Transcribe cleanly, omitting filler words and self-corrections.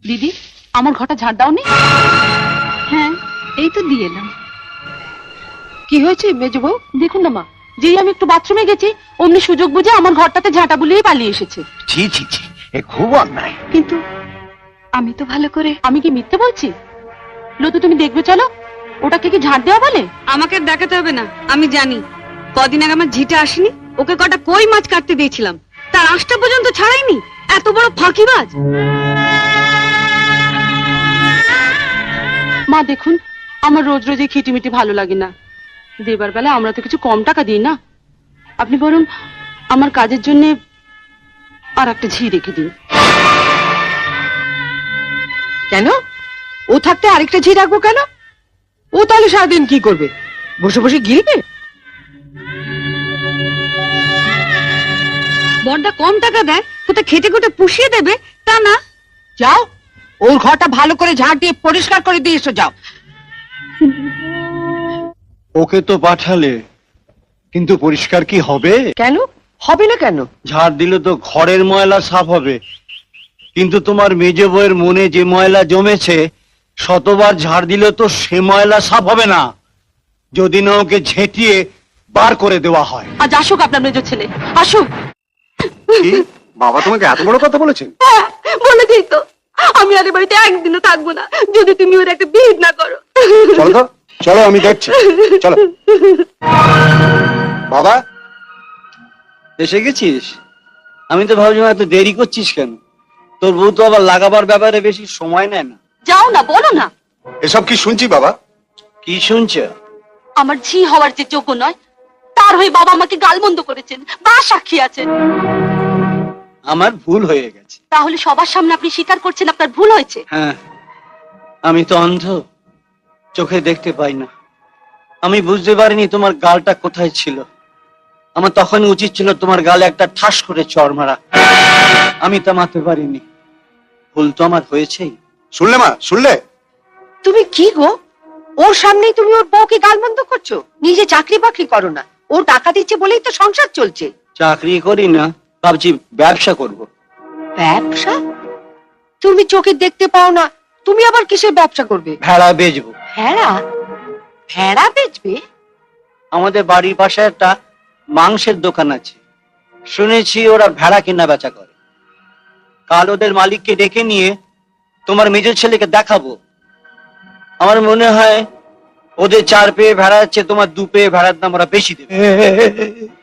দিদি, আমার ঘরটা ঝাড় দাওনি? হ্যাঁ, এই তো দিয়ে এলাম। কি হয়েছে মেজ বউ? দেখুন না মা, যেই আমি একটু বাথরুমে গেছি অমনি সুযোগ বুঝে আমার ঘরটাতে ঝাঁটা বুলিয়ে পালিয়ে এসেছে। ছি ছি ছি, এ খুব অন্যায়। কিন্তু আমি তো ভালো করে। আমি কি মিথ্যে বলছি? লতু, তুমি দেখবে চলো, ওটাকে কি ঝাঁট দেওয়া বলে? আমাকে দেখাতে হবে না, আমি জানি। কদিন আগে আমার ঝিটা আসেনি, ওকে কটা কই মাছ কাটতে দিয়েছিলাম, তার আঁশটা পর্যন্ত ছাড়াইনি। এত বড় ফাঁকিবাজ। মা দেখুন, আমার রোজ রোজ এই খিটিমিটি ভালো লাগে না। দেবার বেলা আমরা তো কিছু কম টাকা দিই না। আপনি বরং আমার কাজের জন্য আর একটা ঝি রেখে দিন। কেন? ও থাকতে আরেকটা ঝি রাখবো কেন? ও তাহলে সারাদিন কি করবে? বসে বসে গিলবে? বড়দা কম টাকা দেয়, কোথায় খেটে খুটে পুষিয়ে দেবে তা না। যাও, ওর ঘরটা ভালো করে ঝাড় দিয়ে পরিষ্কার করে দিয়ে এসো, যাও। ওকে তো পাঠালে, কিন্তু পরিষ্কার কি হবে? কেন হবে না? কেন? ঝাড় দিলে তো ঘরের ময়লা সাফ হবে, কিন্তু তোমার মেজ বউয়ের মনে যে ময়লা জমেছে, শতবার ঝাড় দিলে তো সে ময়লা সাফ হবে না, যদি না ওকে ঝেঁটিয়ে বার করে দেওয়া হয়। আজ আসুক আপনার মেজর ছেলে, আসুক। কি? বাবা তোমাকে এত বড় কথা বলেছেন? বলেছেই তো, আমি আর এ বাড়িতে একদিনও থাকবো না যদি তুমি ওর একটা বিহিত না করো। চলো তো, চলো আমি দেখছি, চলো। বাবা, এসে গেছিস? আমি তো ভাবছিলাম এত দেরি করছিস কেন? তোর বউ তো আবার লাগাবার ব্যাপারে বেশি সময় নেয় না। যাও না, বলো না। এসব কি শুনছি বাবা? কি শুনছ? আমার ঝি হওয়ার যে যোগ্য নয়, তার হয়ে বাবা আমাকে গালমন্দ করেছেন, বা সাক্ষী আছেন। আমার ভুল হয়ে গেছে। তাহলে সবার সামনে আপনি স্বীকার করছেন আপনার ভুল হয়েছে? হ্যাঁ, আমি তো অন্ধ, চোখে দেখতে পাই না। আমি বুঝতে পারিনি তোমার গালটা কোথায় ছিল। আমার তখন উচিত ছিল তোমার গালে একটা ঠাস করে চড় মারা। আমি তা মারতে পারিনি। ভুল তো আমার হয়েছেই। শুনলে মা, শুনলে? তুমি কি গো, ওর সামনেই তুমি ওর বউকে গালমন্দ করছো? নিজে চাকরি বাকরি করো না, ও টাকা দিচ্ছে বলেই তো সংসার চলছে। চাকরি করি না, ভাবছি ব্যবসা করব। ব্যবসা? তুমি চোখে দেখতে পাও না, তুমি আবার কিসের ব্যবসা করবে? ভেড়া বেচবো। ভেড়া? ভেড়া বেচবে? আমাদের বাড়ির পাশে একটা মাংসের দোকান আছে, শুনেছি ওরা ভেড়া কেনা বেচা করে। কাল ওদের মালিককে ডেকে নিয়ে তোমার মেজর ছেলেকে দেখাবো। আমার মনে হয় ওদের 4 পেয়ে ভেড়া আছে, তোমার 2 পেয়ে ভেড়ার দাম ওরা বেশি দেবে।